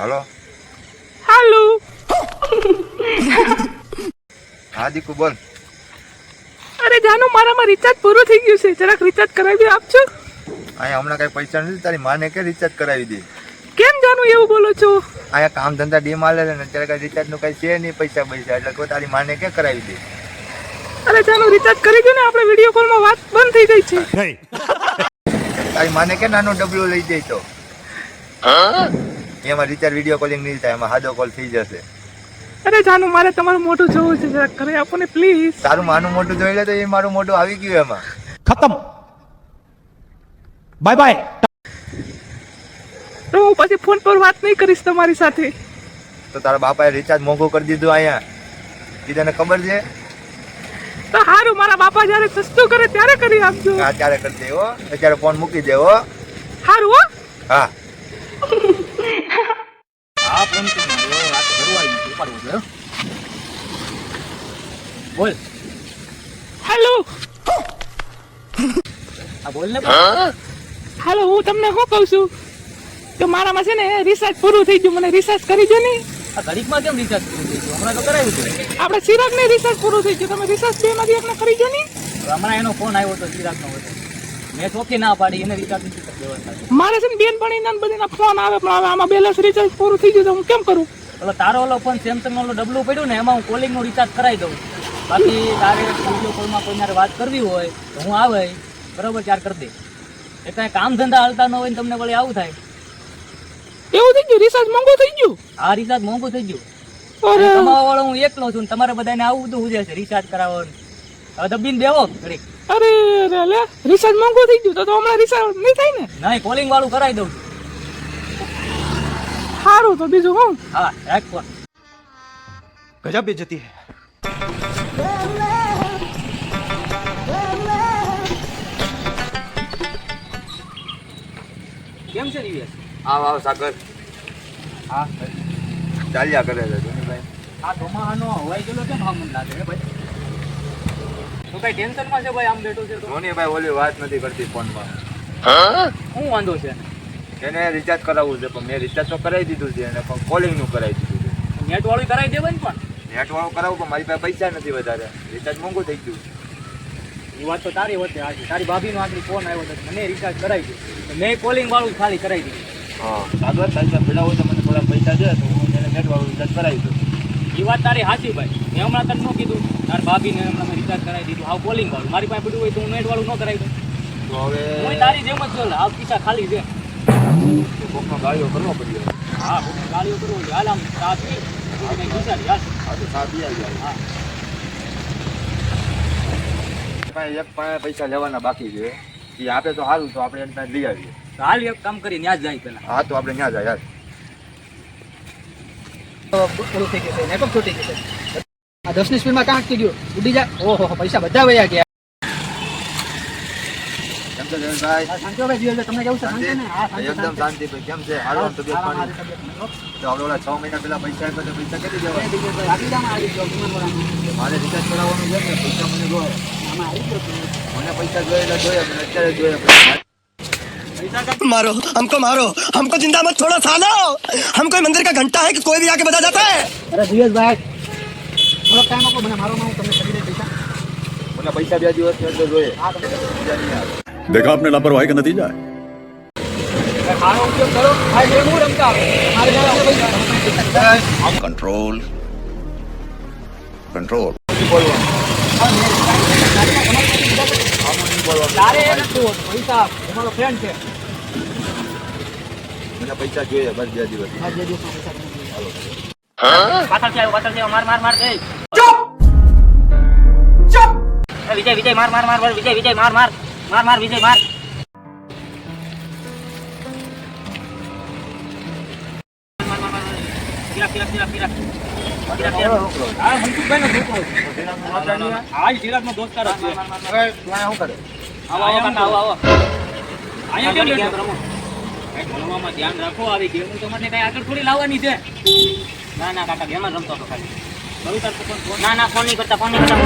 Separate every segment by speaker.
Speaker 1: હાલો
Speaker 2: હાલો.
Speaker 1: હા દીકુ બોલ.
Speaker 2: અરે જાનુ મારામાં રિચાર્જ પૂરું થઈ ગયું છે, જરાક રિચાર્જ કરાવી આપજો.
Speaker 1: અહીંયા હમણાં કઈ પૈસા નથી, તારી માને કે રિચાર્જ કરાવી દે.
Speaker 2: કેમ જાનુ એવું બોલો છો?
Speaker 1: અહીંયા કામ ધંધા ડીમ હાલે છે ને અત્યારે કઈ રિચાર્જ નું કઈ છે નહીં પૈસા એટલે કોઈ તારી માને કે કરાવી દે.
Speaker 2: અરે જાનુ રિચાર્જ કરી દો ને, આપણે વિડીયો કોલમાં વાત બંધ થઈ ગઈ છે.
Speaker 1: તારી માને કે નાનો ડબલું લઈ જાય તો એમાં રિચાર્જ વિડીયો કોલિંગ નહીં થાય, એમાં સાદો કોલ થઈ જશે.
Speaker 2: અરે જાનુ મારે તમારું મોઢું જોવું છે, જરાક કરી આપો ને પ્લીઝ.
Speaker 1: તારું માનું મોટું જોઈ લે તો એ મારું મોટું આવી ગયું એમાં.
Speaker 3: ખતમ, બાય બાય.
Speaker 2: તો હું પછી ફોન પર વાત નહીં કરીશ તમારી સાથે.
Speaker 1: તો તારા બાપાએ રિચાર્જ મોંઘું કરી દીધું અહીંયા, એ તને ખબર છે?
Speaker 2: તો સારું, મારા બાપા જયારે સસ્તું કરે ત્યારે કરી આપજો.
Speaker 1: હા ત્યારે કરી દે હો, અત્યારે ફોન મૂકી દે હો.
Speaker 2: સારું હો.
Speaker 1: હા
Speaker 3: આ ફોન તો મારો વાત કરવાની ઉપાડવો છે. બોલ.
Speaker 2: હેલો.
Speaker 3: આ બોલ ને.
Speaker 2: હાલો, હું તમને શું કહું છું કે મારામાં છે ને રિચાર્જ પૂરું થઈ ગયું, મને રિચાર્જ કરી દો ને.
Speaker 3: આ ઘડીકમાં કેમ રિચાર્જ પૂરું થઈ ગયું? હમણાં તો કરાવ્યું છે.
Speaker 2: આપણે ચિરાગ ને રિચાર્જ પૂરું થઈ ગયું, તમે રિચાર્જ બે માંથી એકને કરી દો ને.
Speaker 3: હમણાં એનો ફોન આવ્યો તો ચિરાગનો હતો, મેં ચોખ્ખી ના પાડી, એને રિચાર્જ નથી કરી દેવાનું.
Speaker 2: મારે છે ને બેનપણી ના બધીના ફોન આવે, પણ હવે આમાં બેલેન્સ રિચાર્જ પૂરું થઈ ગયું તો હું કેમ કરું?
Speaker 3: એટલે તારો ઓલો ફોન સેમસંગ નો ડબલું પડ્યું ને, એમાં હું કોલિંગ નું રિચાર્જ કરાવી દઉં. બાકી તારે વિડીયો કોલમાં કોઈને વાત કરવી હોય તો હું આવે બરોબર ચાર કરી દે. એ કાંઈ કામ ધંધા હાલતા ન હોય ને તમને વળી આવું થાય.
Speaker 2: એવું થઈ ગયું, રિચાર્જ મોંઘું થઈ ગયું.
Speaker 3: આ રિચાર્જ મોંઘું થઈ ગયું.
Speaker 2: અરે
Speaker 3: કમાવા વાળો હું એકલો છું ને તમારે બધાને આવું બધું ઉજે છે રિચાર્જ કરાવવાનું. હવે દબીને બેવો ઘડીક.
Speaker 2: અરે અરે લે, રિચાર્જ મોંઘું થઈ ગયું તો હમણાં રિચાર્જ નહીં થાય ને.
Speaker 3: નહીં, કોલિંગ વાળું કરાવી દઉં છું.
Speaker 2: સારું, તો બીજું હું.
Speaker 3: હા રાખ ફોન.
Speaker 4: गजब बेइज्जती है.
Speaker 3: કેમ છે દિવ્યેશ?
Speaker 1: આવ સાગર.
Speaker 3: હા
Speaker 1: ચાલ્યા કરે છે ધોનીભાઈ.
Speaker 3: આ ચોમાહાનો હવાઈ ગયેલો કેમ આમ લાગે હે ભાઈ? તો કઈ ટેન્શનમાં છે ભાઈ? આમ બેઠો છે તો
Speaker 1: ધોનીભાઈ ઓલી વાત નથી કરતી ફોનમાં.
Speaker 3: શું વાંધો છે?
Speaker 1: એને રિચાર્જ કરાવવું છે પણ મેં રિચાર્જ તો કરાવી દીધું છે અને પણ કોલિંગ નું કરાવી દીધું છે.
Speaker 3: નેટ વાળું કરાવી દેવાય ને પણ.
Speaker 1: નેટ વાળું કરાવું પણ મારી પાસે પૈસા નથી વધારે, રિચાર્જ મોંઘું થઈ ગયું.
Speaker 3: એ વાત તો તારી વચ્ચે આજે તારી ભાભીનો આગળ ફોન આવ્યો હતો, મને રિચાર્જ કરાવી દીધું. મેં કોલિંગ વાળું ખાલી કરાવી દીધું.
Speaker 1: હા સાગર તારી પાસે પેલા હોય તો મને થોડા પૈસા દે તો હું એને નેટ વાળું રિચાર્જ કરાવી દઉં.
Speaker 3: એ વાત તારી સાચી ભાઈ. મેં હમણાં તને ન કીધું, તારી ભાભીને હમણાં મેં રિચાર્જ કરાવી દીધું. હાવ કોલિંગ વાળું મારી પાસે પડ્યું હોય તો હું નેટ વાળું ન કરાવી દઉં.
Speaker 1: તો હવે
Speaker 3: હું તારી જેમ જ છું, હાવ પૈસા ખાલી છે.
Speaker 1: કોકનો ગાળીઓ કરવો પડ્યો.
Speaker 3: હા ગાડીઓ કરવો જોઈએ. હાલ આમ ચા પી કંઈક વિચારી હાલ.
Speaker 1: હા તો સાબી આવી જાય.
Speaker 3: હા
Speaker 1: એક પાસે પૈસા લેવાના બાકી છે, એ આપે તો સારું, તો આપણે એને લઈ આવીએ.
Speaker 3: તો હાલ એક કામ કરી ત્યાં જ જાય પેલા.
Speaker 1: હા તો આપણે ત્યાં જાય યાર.
Speaker 5: પૂરું થઈ ગયું છે, નેટવર્ક છૂટી ગયું છે. આ 10ની સ્પીડમાં કાં અટકી ગયું? ઉડી જાય. ઓહો, પૈસા બધા વયા ગયા.
Speaker 1: કેમ છે જયંતભાઈ?
Speaker 5: શાંતિભાઈ જીવનભાઈ, તમને કેવું છે? શાંતિ ને? હા, શાંતિ,
Speaker 1: એકદમ
Speaker 5: શાંતિ.
Speaker 1: શાંતિ ભાઈ. કેમ છે? હાલો તબિયત
Speaker 5: હા,
Speaker 1: પાણી?
Speaker 5: મારી તબિયત નહીં, હો.
Speaker 1: તો આપણે ઓલા 6 મહિના પહેલા પૈસા આપ્યા તો પૈસા કેટલી દેવા?
Speaker 5: દિગ્વિજયભાઈ, આપી દો, આમાં આવી ગયો, વિમાનવાળામાં.
Speaker 1: મારે રિચાર્જ કરાવવાનું છે ને, પૈસા મને જોઈએ.
Speaker 5: આમાં આવી ગયો છું.
Speaker 1: મને પૈસા જોઈએ એટલે જોઈએ, મને અત્યારે જોઈએ પૈસા.
Speaker 4: मारो हमको जिंदा मत छोड़ो सालो. हम कोई मंदिर का घंटा है कि कोई भी आके बजा जाता है.
Speaker 5: અરે દિવેશભાઈ, થોડો ટાઈમ આપો મને, મારો હું તમને કરી દઈશ પૈસા.
Speaker 1: મને પૈસા 2 દિવસની અંદર જોઈએ.
Speaker 5: હા, તમને
Speaker 1: બીજા નહીં આવે.
Speaker 6: देखा आपने लापरवाही का नतीजा है.
Speaker 5: ખાનો ઉપયોગ કરો. ભાઈ જે હું રમતા આવે મારે જરા પૈસા.
Speaker 6: Control control.
Speaker 5: તારે એ નથી હોતું. પૈસા તમારો ફ્રેન્ડ છે.
Speaker 1: મને પૈસા જોઈએ બસ 2 દિવસ.
Speaker 5: આ જે દિવસમાં પૈસા તમને
Speaker 3: પાછળથી આવ્યો, માર માર માર. વિજય વિજય માર માર માર. વિજય વિજય માર માર માર માર. વિજય માર. હા મનસુખભાઈનો છોકરો છે. હા એ સિરાજનો દોસ્તાર જ છે.
Speaker 1: હવે તું અહીંયા શું કરે?
Speaker 3: આવો આવો કાકા, આવો આવો. અહીંયા કેમ ગેમ રમો? કઈ ભણવામાં ધ્યાન રાખો. આવી ગેમ તો મને કઈ આગળ થોડી લાવવાની છે. ના ના કાકા, ગેમ જ રમતો હતો ખાલી. ના ના ફોન નહીં કરતા, ફોન નહીં કરતા.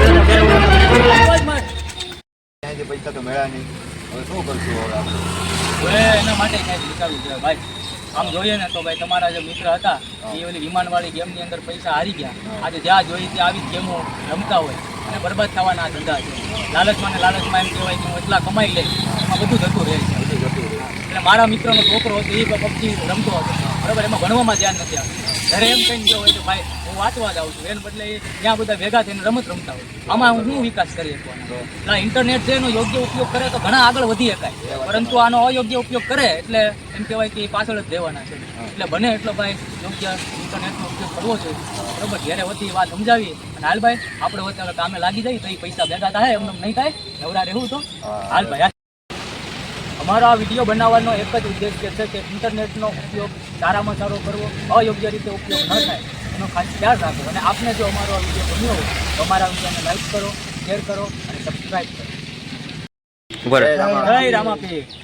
Speaker 1: ત્યાંથી પૈસા તો મળ્યા નહીં, હવે શું કરશું હવે આપણે?
Speaker 3: હવે એના માટે કઈ વિચારવું છે ભાઈ. આમ જોઈએ ને તો ભાઈ તમારા જે મિત્ર હતા એ ઓલી વિમાનવાળી ગેમની અંદર પૈસા હારી ગયા. આજે જ્યાં જોઈએ ત્યાં આવી ગેમો રમતા હોય અને બરબાદ થવાના આ ધંધા છે. લાલચમાં ને લાલચમાં એમ કહેવાય કે હું એટલા કમાઈ લઈશ, એમાં બધું જતું રહે છે. એટલે મારા મિત્રનો છોકરો હતો એ પબજી રમતો હતો, બરાબર, એમાં ભણવામાં ધ્યાન નથી આવતું. ઘરે એમ કહીને ગયો હોય કે ભાઈ હું વાંચવા જાઉં છું, એને બદલે એ ત્યાં બધા ભેગા થઈને રમત રમતા હોય. આમાં હું શું વિકાસ કરી શકવાનો? એટલે ઇન્ટરનેટ છે એનો યોગ્ય ઉપયોગ કરે તો ઘણા આગળ વધી શકાય, પરંતુ આનો અયોગ્ય ઉપયોગ કરે એટલે એમ કહેવાય કે એ પાછળ જ રહેવાના છે. એટલે બને એટલો ભાઈ યોગ્ય ઇન્ટરનેટનો ઉપયોગ કરવો જોઈએ, બરાબર. ઘેરે હોતી વાત સમજાવી અને હાલ ભાઈ આપણે હોતે હવે કામે લાગી જાય તો એ પૈસા ભેગા થાય, એમને નહીં થાય, નવરા રહેવું તો હાલ ભાઈ. અમારો આ વિડીયો બનાવવાનો એક જ ઉદ્દેશ્ય છે કે ઇન્ટરનેટનો ઉપયોગ સારામાં સારો કરવો, અયોગ્ય રીતે ઉપયોગ ન થાય એનો ખાસ ખ્યાલ રાખવો. અને આપને જો અમારો આ વિડીયો ગમ્યો હોય તો અમારા વિડીયોને લાઈક કરો, શેર કરો અને સબસ્ક્રાઈબ કરો.
Speaker 1: ઉપર
Speaker 3: જય રામાપીર.